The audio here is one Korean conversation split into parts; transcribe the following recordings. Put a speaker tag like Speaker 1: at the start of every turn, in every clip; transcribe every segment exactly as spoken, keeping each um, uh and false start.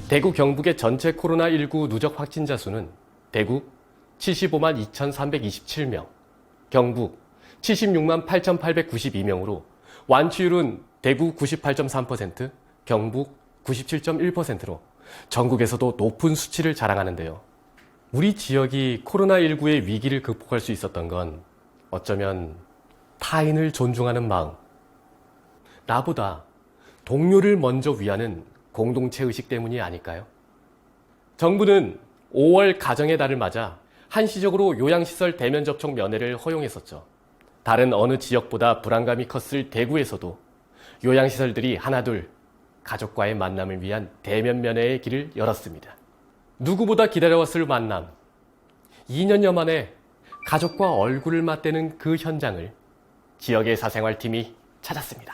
Speaker 1: 대구 경북의 전체 코로나십구 누적 확진자 수는 대구 칠십오만 이천삼백이십칠 명, 경북 칠십육만 팔천팔백구십이 명으로 완치율은 대구 구십팔 점 삼 퍼센트, 경북 구십칠 점 일 퍼센트로 전국에서도 높은 수치를 자랑하는데요. 우리 지역이 코로나십구의 위기를 극복할 수 있었던 건 어쩌면 타인을 존중하는 마음, 나보다 동료를 먼저 위하는 공동체 의식 때문이 아닐까요? 정부는 오월 가정의 달을 맞아 한시적으로 요양시설 대면 접촉 면회를 허용했었죠. 다른 어느 지역보다 불안감이 컸을 대구에서도 요양시설들이 하나둘 가족과의 만남을 위한 대면 면회의 길을 열었습니다. 누구보다 기다려왔을 만남. 이 년여 만에 가족과 얼굴을 맞대는 그 현장을 지역의 사생활팀이 찾았습니다.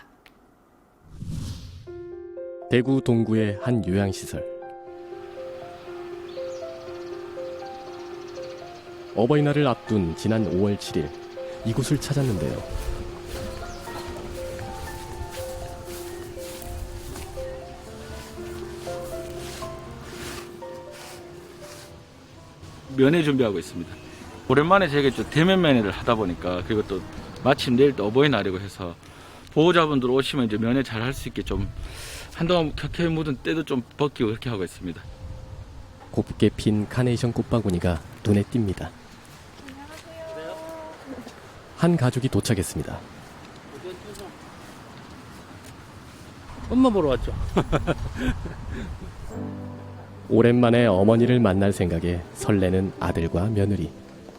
Speaker 1: 대구 동구의 한 요양시설. 어버이날을 앞둔 지난 오월 칠일 이곳을 찾았는데요.
Speaker 2: 면회 준비하고 있습니다. 오랜만에 제가 좀 대면 면회를 하다 보니까, 그리고 또 마침 내일 또 어버이날이고 해서 보호자분들 오시면 이제 면회 잘 할 수 있게 좀 한동안 켜켜이 묻은 때도 좀 벗기고 그렇게 하고 있습니다.
Speaker 1: 곱게 핀 카네이션 꽃바구니가 눈에 띕니다. 한 가족이 도착했습니다.
Speaker 2: 엄마 보러 왔죠.
Speaker 1: 오랜만에 어머니를 만날 생각에 설레는 아들과 며느리.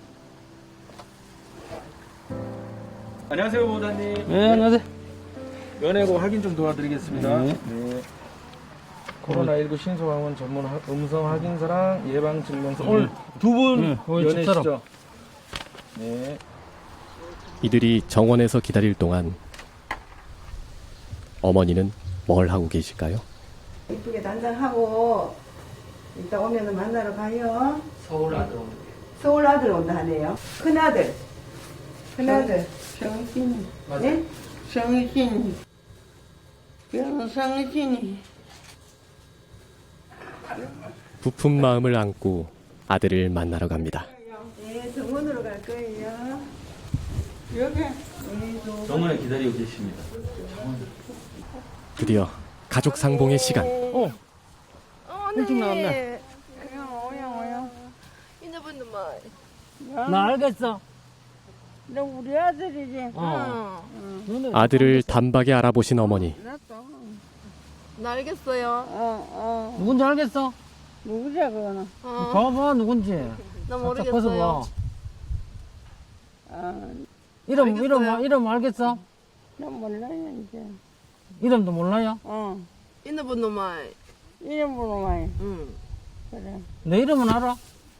Speaker 2: 안녕하세요, 보호자님.
Speaker 3: 네, 안녕하세요.
Speaker 2: 면회고 확인 좀 도와드리겠습니다.
Speaker 3: 네.
Speaker 2: 네. 코로나십구 신속항원 전문 하- 음성 확인서랑 예방증명서. 오늘 두 분
Speaker 3: 네, 오늘 집사람.
Speaker 2: 면회시죠? 네.
Speaker 1: 이들이 정원에서 기다릴 동안 어머니는 뭘 하고 계실까요?
Speaker 4: 이쁘게 단장하고 이따 오면은 만나러 가요.
Speaker 3: 서울 아들 오는
Speaker 4: 서울 아들 온다 하네요. 큰아들. 큰아들.
Speaker 5: 정신이,
Speaker 4: 네?
Speaker 5: 정신이, 병상신이.
Speaker 1: 부푼 마음을 안고 아들을 만나러 갑니다.
Speaker 4: 네, 정원으로 갈 거예요.
Speaker 5: 여기,
Speaker 4: 네, 또.
Speaker 2: 정원에 기다리고 계십니다.
Speaker 1: 드디어 가족 상봉의 시간.
Speaker 3: 어, 일찍 나왔네.
Speaker 5: 오야, 오야.
Speaker 6: 인어분도 뭐
Speaker 3: 나 알겠어.
Speaker 5: 너 우리 아들이지?
Speaker 3: 어. 너네
Speaker 1: 아들을 단박에 알아보신 어머니.
Speaker 5: 나도.
Speaker 6: 나 알겠어요.
Speaker 5: 어, 어.
Speaker 3: 누군지 알겠어?
Speaker 5: 누구지, 그거는?
Speaker 6: 어,
Speaker 3: 봐봐, 누군지.
Speaker 6: 나
Speaker 3: 살짝
Speaker 6: 모르겠어요.
Speaker 3: 벗어봐.
Speaker 5: 어,
Speaker 3: 이름,
Speaker 6: 알겠어요.
Speaker 3: 이름, 이름 알겠어?
Speaker 5: 나 몰라요, 이제.
Speaker 3: 이름도 몰라요?
Speaker 5: 어.
Speaker 6: 인어분도 말.
Speaker 5: 이름으로 많이.
Speaker 6: 응.
Speaker 5: 그래.
Speaker 3: 내 이름은 알아?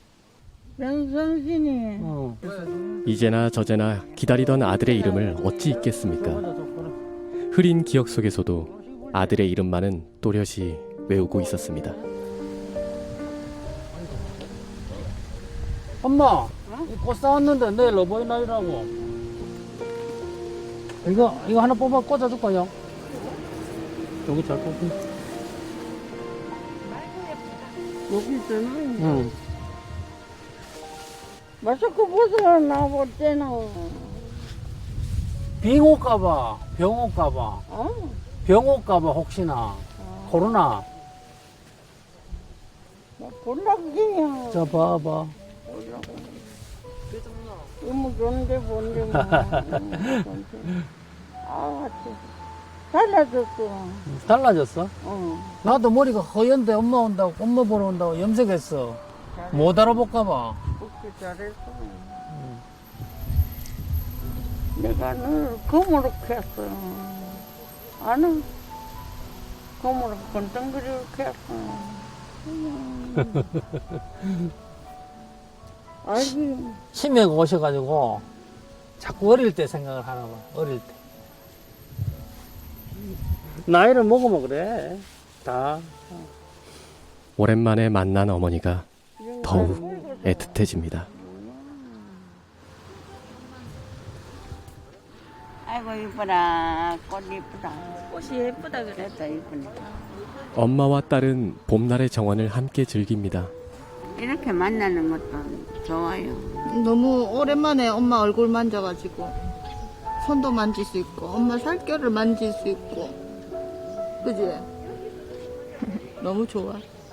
Speaker 5: 병상신이.
Speaker 3: 어.
Speaker 1: 이제나 저제나 기다리던 아들의 이름을 어찌 잊겠습니까? 흐린 기억 속에서도 아들의 이름만은 또렷이 외우고 있었습니다.
Speaker 3: 엄마, 이꽃 사왔는데 내일 어버이날이라고. 이거, 이거 하나 뽑아 꽂아줄까요? 여기 잘 뽑힌.
Speaker 5: 여기 있잖아.
Speaker 3: 응.
Speaker 5: 마스크 벗어, 나볼 때는.
Speaker 3: 빙 올까봐, 병 올까봐,
Speaker 5: 어?
Speaker 3: 병 올까봐 혹시나. 코로나.
Speaker 5: 나 볼락이야.
Speaker 3: 자, 봐봐.
Speaker 5: 이모 좋은데 뭔데 뭐. 아, 참. 달라졌어.
Speaker 3: 달라졌어?
Speaker 5: 어.
Speaker 3: 나도 머리가 허연데 엄마 온다고, 엄마 보러 온다고 염색했어. 못 알아볼까봐.
Speaker 5: 그렇게 잘했어. 내가 늘 검으로 했어. 아는 검으로 건덩그리고 했어. 아이고,
Speaker 3: 치매가 오셔가지고 자꾸 어릴 때 생각을 하나 봐. 어릴 때. 나이를 먹으면 그래. 다.
Speaker 1: 오랜만에 만난 어머니가 더욱 애틋해집니다.
Speaker 5: 아이고 이뻐라. 꽃 이쁘다.
Speaker 6: 꽃이 예쁘다 그래.
Speaker 5: 됐다 이쁘네.
Speaker 1: 엄마와 딸은 봄날의 정원을 함께 즐깁니다.
Speaker 5: 이렇게 만나는 것도 좋아요.
Speaker 7: 너무 오랜만에 엄마 얼굴 만져가지고 손도 만질 수 있고 엄마 살결을 만질 수 있고 그지? 너무 좋아.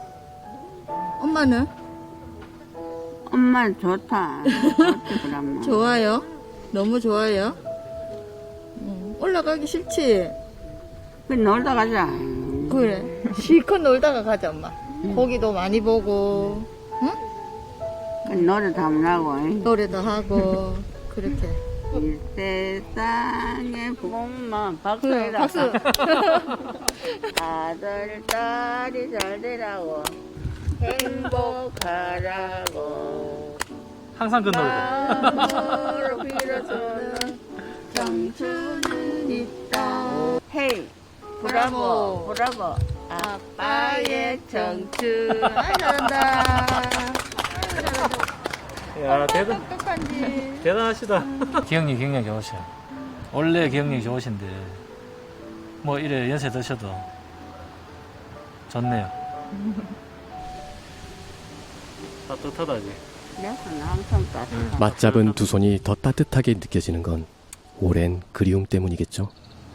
Speaker 7: 엄마는?
Speaker 5: 엄마 좋다. 좋지, 그러면.
Speaker 7: 좋아요? 너무 좋아요? 응. 올라가기 싫지?
Speaker 5: 그 놀다 가자.
Speaker 7: 그래 실컷 놀다가 가자 엄마. 고기도 많이 보고 응?
Speaker 5: 그 노래도 한번 하고.
Speaker 7: 노래도 하고 그렇게.
Speaker 5: 이 세상에 복만 박수
Speaker 7: 그래,
Speaker 5: 해라.
Speaker 7: 박수.
Speaker 5: 아들 딸이 잘 되라고 행복하라고
Speaker 2: 항상 그 노래.
Speaker 5: 마음으로 빌어주는 청춘은 있다. 헤이 브라보 브라보 아빠의 청춘.
Speaker 7: 아, 잘한다.
Speaker 8: 야, 대단, 대단하시다. 기억력이 굉장히 좋으셔. 원래 기억력이 좋으신데, 뭐, 이래 연세 드셔도 좋네요. 따뜻하다지.
Speaker 5: 내 손은 항상 따뜻하고.
Speaker 1: 맞잡은 두 손이 더 따뜻하게 느껴지는 건 오랜 그리움 때문이겠죠.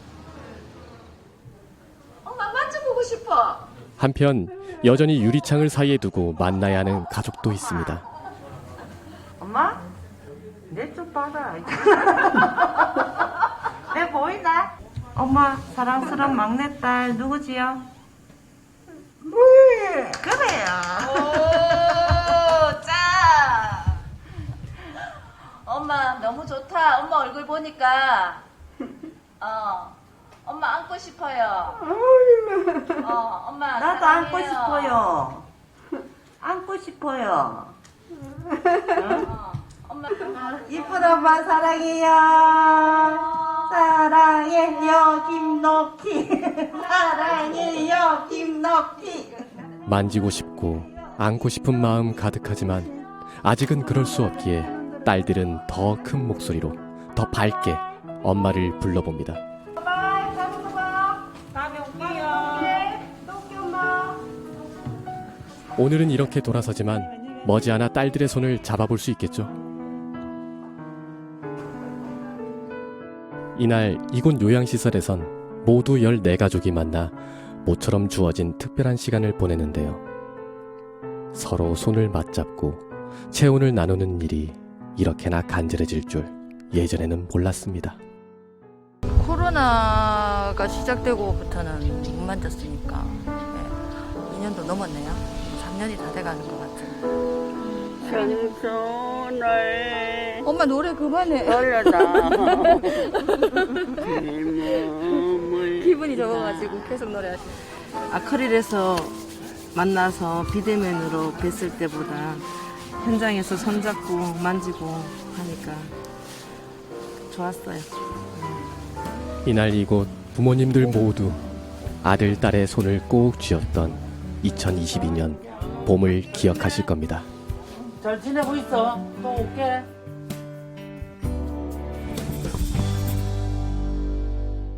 Speaker 6: 엄마 만져보고 싶어.
Speaker 1: 한편 여전히 유리창을 사이에 두고 만나야 하는 가족도 있습니다.
Speaker 4: 엄마? 내 좀 봐라. 내 보이나? 엄마, 사랑스러운 막내딸 누구지요? 그래요.
Speaker 9: 오, 짜. 엄마 너무 좋다. 엄마 얼굴 보니까. 어, 엄마 안고 싶어요. 어, 엄마
Speaker 4: 나도
Speaker 9: 사랑해요.
Speaker 4: 안고 싶어요. 안고 싶어요.
Speaker 9: 어, 엄마.
Speaker 4: 이쁜 엄마 사랑해요. 사랑해요, 김놓기. 사랑해요, 김놓기.
Speaker 1: 만지고 싶고 안고 싶은 마음 가득하지만 아직은 그럴 수 없기에 딸들은 더 큰 목소리로 더 밝게 엄마를 불러봅니다.
Speaker 4: 바이, 다음에 또 봐. 다음에 올게요. 또 올게, 엄마.
Speaker 1: 오늘은 이렇게 돌아서지만 머지않아 딸들의 손을 잡아볼 수 있겠죠. 이날 이곳 요양시설에선 모두 열네 가족이 만나 모처럼 주어진 특별한 시간을 보내는데요. 서로 손을 맞잡고 체온을 나누는 일이 이렇게나 간절해질 줄 예전에는 몰랐습니다.
Speaker 7: 코로나가 시작되고부터는 못 만졌으니까 네. 이 년도 넘었네요. 삼 년이 다 돼가는 것 같아요.
Speaker 5: 청춘을
Speaker 7: 엄마 노래 그만해.
Speaker 5: 돌려다 몸을
Speaker 7: 기분이 좋아가지고 계속 노래하시네.
Speaker 10: 아크릴에서 만나서 비대면으로 뵀을 때보다 현장에서 손잡고 만지고 하니까 좋았어요.
Speaker 1: 이날 이곳 부모님들 모두 아들, 딸의 손을 꼭 쥐었던 이천이십이 년 봄을 기억하실 겁니다.
Speaker 10: 잘 지내고 있어. 또 올게.